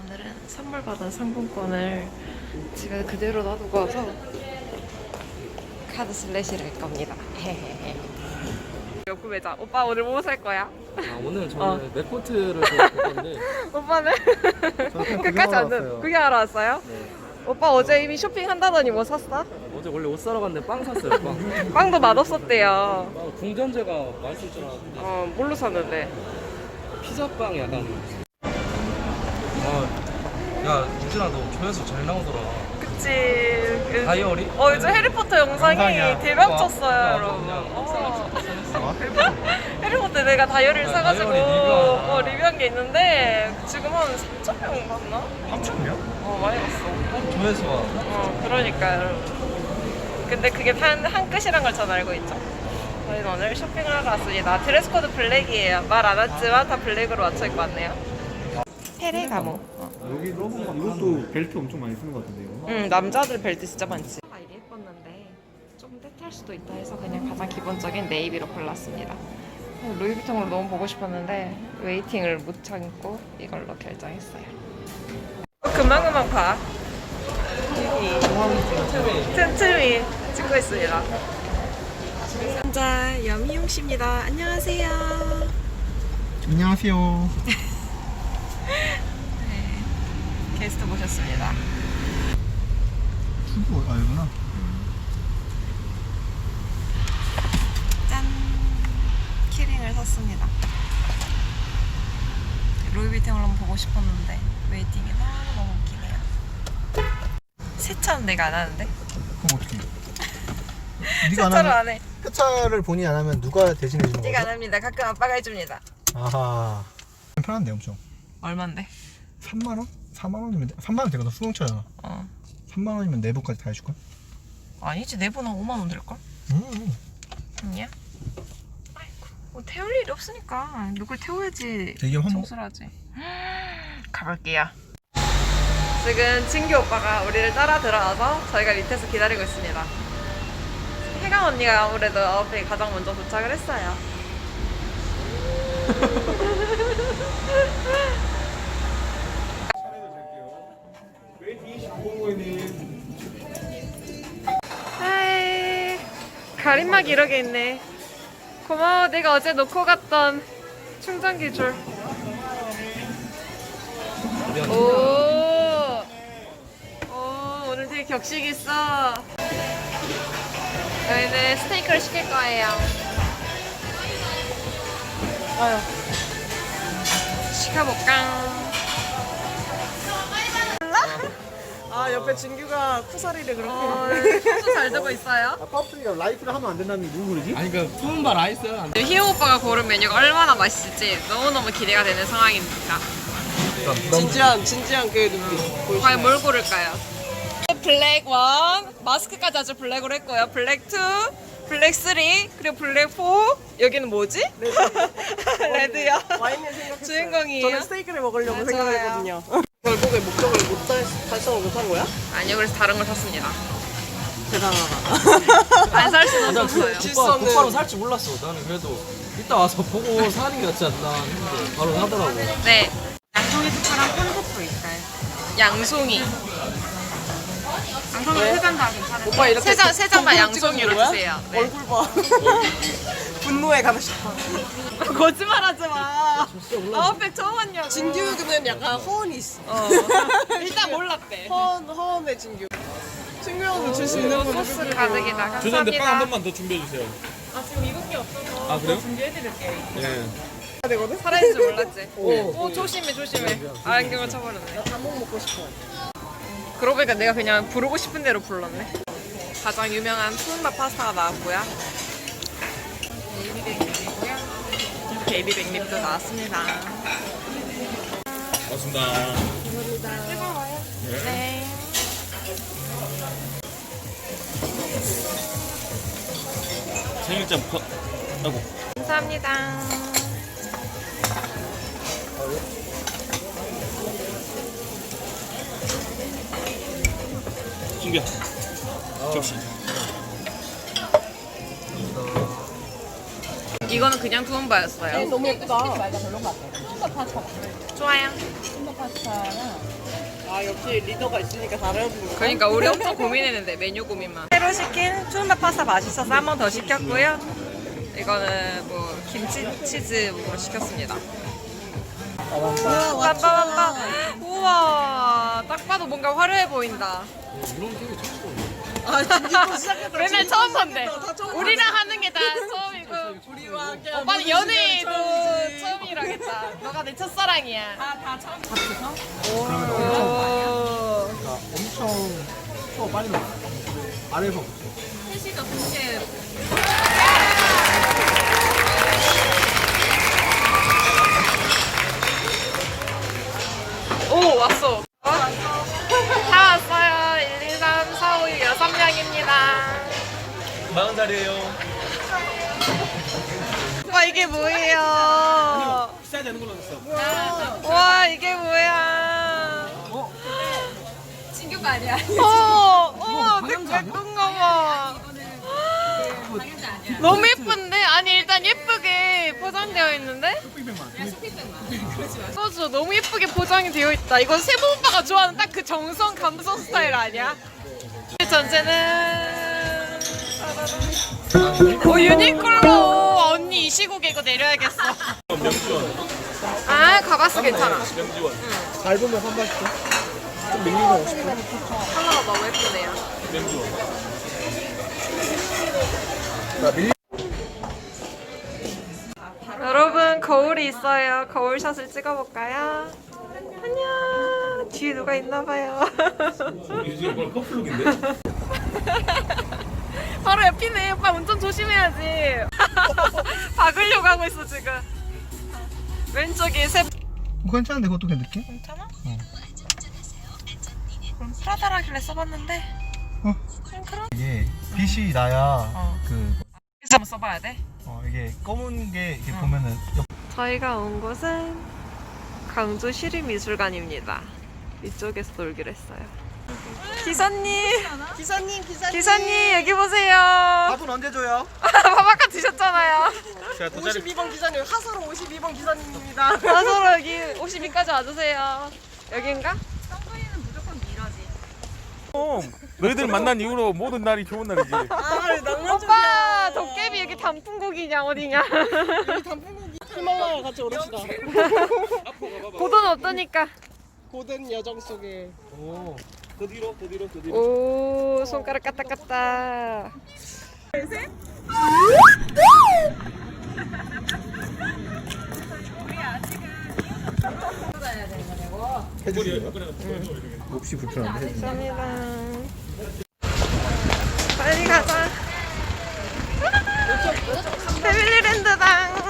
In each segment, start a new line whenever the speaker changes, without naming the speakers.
오늘은 선물 받은 상품권을 집에 그대로 놔두고 와서 카드 슬래시를 할 겁니다. 옆구 매장. 오빠 오늘 뭐 살 거야?
아, 오늘 저는 맥코트를 볼 건데
오빠는 끝까지 안 듣. 구경하러 왔어요?
네.
오빠 어제 이미 쇼핑한다더니 뭐 샀어?
어제 원래 옷 사러 갔는데 빵 샀어요. 빵.
빵도 맛없었대요.
아, 궁전제가 맛있을 줄 알았는데
뭘로 샀는데?
피자빵 약간 야 유진아 너 조회수 잘 나오더라.
그치.
다이어리?
요즘 해리포터 영상이
영상이야.
대박 쳤어요, 여러분. 해리포터 내가 다이어리를
아,
사가지고
다이어리
리뷰한 게 있는데 지금 한 3,000명 봤나?
3,000명?
많이 봤어.
조회수가
그러니까요. 근데 그게 한 끝이란 걸 전 알고 있죠. 저희는 오늘 쇼핑을 하러 왔습니다. 드레스 코드 블랙이에요. 말 안 했지만 다 블랙으로 맞춰 입고 왔네요. 페레가모.
여기 이것도 벨트 엄청 많이 쓰는 것 같은데 이거?
남자들 벨트 진짜 많지. 이게 예뻤는데 좀 때탈 수도 있다 해서 그냥 가장 기본적인 네이비로 골랐습니다. 루이비통으로 너무 보고 싶었는데 웨이팅을 못 참고 이걸로 결정했어요. 금방금방 봐. 여기 틈틈이 찍고 있습니다. 혼자 염희용 씨입니다. 안녕하세요.
안녕하세요.
게스트 모셨습니다.
출구 알구나.
짠! 키링을 샀습니다. 루이비통을 한번 보고 싶었는데 웨이팅이 너무 웃기네요. 세차는 내가 안 하는데?
그럼 어떻게?
세차를 안 해.
세차를 본인이 안 하면 누가 대신해 주는
제가 안
거죠?
합니다. 가끔 아빠가 해줍니다.
아하. 편한데 엄청.
얼만데?
3만 원? 4만 원이면 3만 원 되거든. 수능차잖아. 3만 원이면 내부까지 다 해줄걸?
아니지, 내보나 5만 원 될걸? 아니야? 아이고, 뭐 태울 일이 없으니까 누굴 태워야지
되게
정수를 하지. 가볼게요. 지금 진규 오빠가 우리를 따라 들어와서 저희가 밑에서 기다리고 있습니다. 혜강 언니가 아무래도 앞에 가장 먼저 도착을 했어요. 하이, 가림막 이렇게 있네. 고마워. 내가 어제 놓고 갔던 충전기 줄. 오, 오늘 되게 격식 있어. 저희는 스테이크를 시킬 거예요. 아유, 시켜볼까?
옆에 진규가 쿠사리를 그렇게
소스 잘 되고 있어요.
팝스가 라이프를 하면 안 된다는 게 누구 그러지?
아니 그 푸른바 라이스
희호 오빠가 고른 메뉴가 얼마나 맛있을지 너무너무 기대가 되는 상황입니다.
진지한 그 눈빛.
과연 뭘 고를까요? 블랙 1, 마스크까지 아주 블랙으로 했고요. 블랙 2, 블랙 3, 그리고 블랙 4. 여기는 뭐지? 레드요.
와인을 생각했어요.
주인공이에요?
저는 스테이크를 먹으려고
네,
생각했거든요. 결국에 목적을 달성을 못한 거야?
아니요, 그래서 다른 걸 샀습니다.
대단하다.
안 살 수는
난
없었어요.
질서는-
곧바로 살지 몰랐어. 나는 그래도 이따 와서 보고 사는 게 낫지 않나 했는데 바로 하더라고.
네. 양송이 특별한 콘셉트 있어요. 양송이. 양송이
왜?
3장 다 괜찮아요.
오빠 이렇게
세 장만
동그랗게
양송이로
찍어주는 거야?
주세요. 네.
얼굴 봐. 분노에 가고 싶어.
거짓말하지 마. 아웃백 처음 왔냐고.
진규는 약간 허언이 있어.
일단 몰랐대.
허언의 진규. 진규 형도 줄 수 있는 거
소스 가득이다.
죄송한데 빵 한
감사합니다.
번만 더 준비해 주세요.
아 지금 이것밖에 없어서
아, 그래요?
준비해드릴게요.
네.
되거든?
살아있는 줄 몰랐지? 오 조심해 조심해. 안경을 쳐버렸네.
단목 먹고 싶어.
그러고 보니까 내가 그냥 부르고 싶은 대로 불렀네. 가장 유명한 푸른밥 파스타가 나왔고요. 베이비백립이고요. 베이비백립도 나왔습니다.
고맙습니다.
뜨거워요? 네.
생일자 아이고.
감사합니다.
준비야. 접시.
이거는 그냥 투움바였어요.
너무 예쁘다.
좋아요.
아 역시 리더가 있으니까 다른 거.
그러니까 우리 엄청 고민했는데 메뉴 고민만. 새로 시킨 투움바 파스타 맛있어서 한 번 더 시켰고요. 이거는 뭐 김치 치즈 뭐 시켰습니다. 빰빰빰빰. 우와, 딱 봐도 뭔가 화려해 보인다.
아 진짜 시작했다.
맨날 처음 본데. 우리랑 하는 게 다 처음이고.
우리와 함께
오빠는 연애도 처음이라겠다. 너가 내 첫사랑이야. 다 처음. 오.
그러니까 엄청 더 빨리 나와. 아래에서.
셋이서 동시에. 오, 왔어. 다 왔어요. 1, 2, 3, 4, 5, 6, 6명입니다.
40살이에요.
와, 이게 뭐예요?
비싸야 되는 걸로 줬어.
와, 이게 뭐야?
친구가 아니야.
어머, 예쁜 거 봐. 너무 예쁜데? 아니, 일단 예쁘게 포장되어 있는데? 소주 너무 예쁘게 포장이 되어 있다. 이건 세모 오빠가 좋아하는 딱 그 정성 감성 스타일 아니야? 전체는 오, 유니클로. 언니 이 시국에 이거 내려야겠어.
명지원.
아, 가봤어. 괜찮아.
명지원.
잘 보면 한 번씩. 좀 밀리는 거 50분.
컬러가 너무 예쁘네요.
명지원.
여러분, 거울이 있어요. 거울샷을 찍어볼까요? 안녕. 뒤에 누가 있나봐요.
유진이 오빠 커플룩인데?
바로 옆이네. 오빠 운전 조심해야지. 박으려고 하고 있어 지금. 왼쪽에 세.
괜찮은데 그것도 그냥 느낌?
괜찮아?
어.
그럼 프라다라길래 써봤는데.
이게 빛이 나야 그
그래서 한번 써봐야 돼.
이게 검은 게 이렇게 보면은
저희가 온 곳은 강주 시립미술관입니다. 이쪽에서 놀기로 했어요. 기사님, 기사님 여기 보세요.
밥은 언제 줘요?
밥 아까 드셨잖아요.
제가 더 자리
52번 기사님 하사로 52번 기사님입니다.
서로 여기 52까지 와주세요. 여긴가?
너희들 만난 이후로 모든 날이 좋은 날이지.
아 낭만
오빠 도깨비 여기 단풍국이냐 어디냐?
히말라야 같이 오릅시다.
고도는 없다니까.
고된 여정 속에
오. 더 뒤로, 더 뒤로, 더 뒤로.
오, 손가락 까딱까딱.
해주세요. 몹시 불편한데 해주세요.
감사합니다. 빨리 가자. 패밀리랜드당.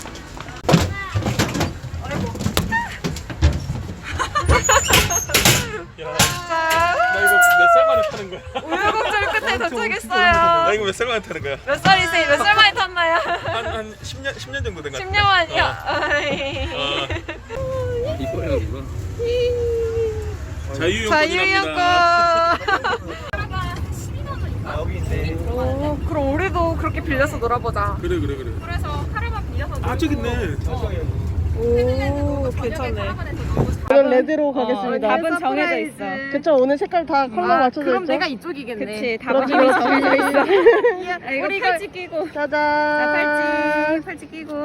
나 이거 몇 살 만에 타는 거야?
우여곡절 끝에
나
도착했어요.
이거 몇 살 만에 타는 거야?
몇 살이세요? 몇 살 만에 탔나요?
한 10년 정도 된 거 같아.
10년 만이요?
이거야 이거.
자유용권이랍니다.
자유여권.
아 여기 있네.
오, 그럼 우리도 그렇게 빌려서 놀아보자.
그래.
그래서 하루만 빌려서
아 저기 있네.
오, 괜찮네.
저는 레드로 가겠습니다.
답은 정해져 있어.
그쵸 오늘 색깔 다 컬러 맞춰져 있죠?
그럼 내가 이쪽이겠네. 그치,
답은 이미 정해져 있어.
우리 팔찌 끼고.
짜잔.
팔찌 끼고.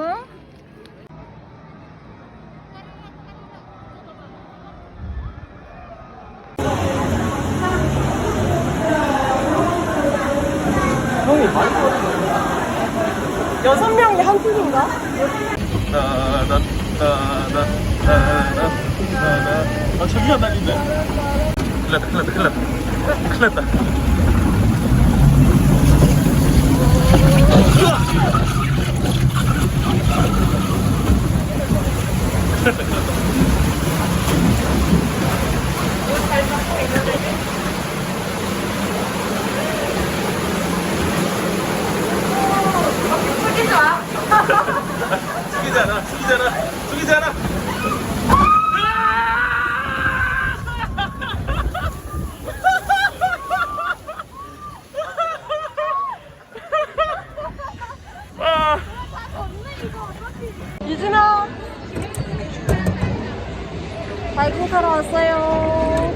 여섯 명이 한 팀인가?
아 저기가 날린다. 큰일 났다. 죽이잖아.
유진아. 다이빙 하러 왔어요.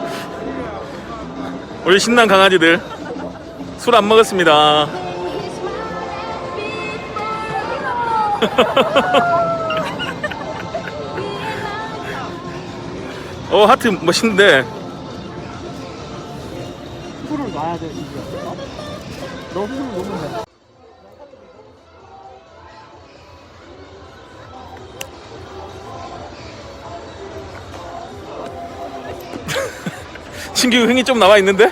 우리 신난 강아지들 술 안 먹었습니다. 하트 멋있는데.
술을 놔야 돼 이게. 너 술을 놓으면 돼.
신규 흥이 좀 나와 있는데?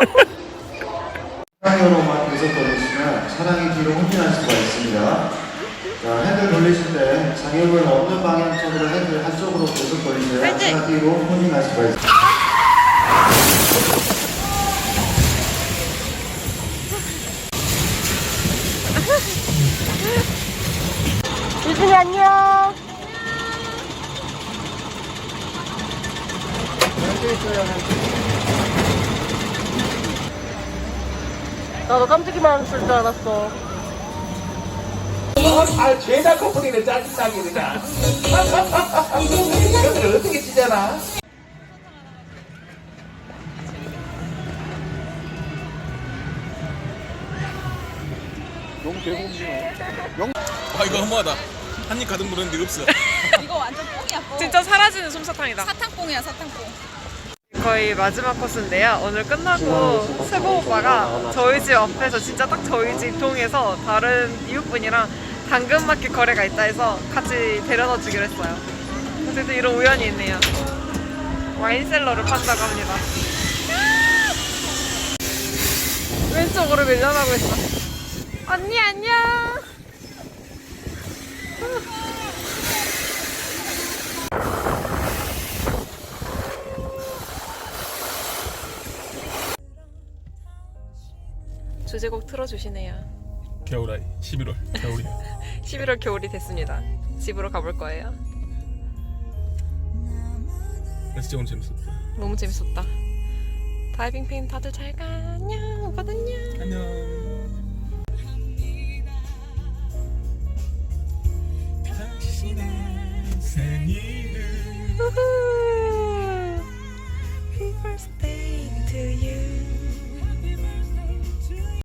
차량으로만 계속 돌리시면 차량이 뒤로 후진할 수가 있습니다. 자, 핸들 돌리실 때 장애물 없는 방향 쪽으로 핸들 한쪽으로 계속 돌리셔야 차량 뒤로 후진할 수가 있습니다.
유진이 안녕. 나도 깜찍이만 쓸 줄 알았어.
아, 죄다 커플이네, 짜증나게 그냥. 이것들 어떻게 찌잖아?
너무 개공기네.
이거 허무하다. 한입 가득 물었는데 없어.
이거 완전 뽕이야 뽕.
진짜 사라지는 솜사탕이다.
사탕뽕이야 사탕뽕.
거의 마지막 코스인데요. 오늘 끝나고 세보 오빠가 저희 집 앞에서 진짜 딱 저희 집 동에서 다른 이웃분이랑 당근마켓 거래가 있다 해서 같이 데려다 주기로 했어요. 그래서 이런 우연이 있네요. 와인셀러를 판다고 합니다. 왼쪽으로 밀려나고 있어. 언니 안녕. 주제곡 틀어주시네요.
겨울아이 11월 겨울이.
11월 겨울이 됐습니다. 집으로 가볼 거예요.
진짜 오늘 재밌었다.
너무 재밌었다. 다이빙 팬 다들 잘 가. 안녕. 오빠도 안녕.
안녕. 당신의 생일을
우후. Happy birthday to you.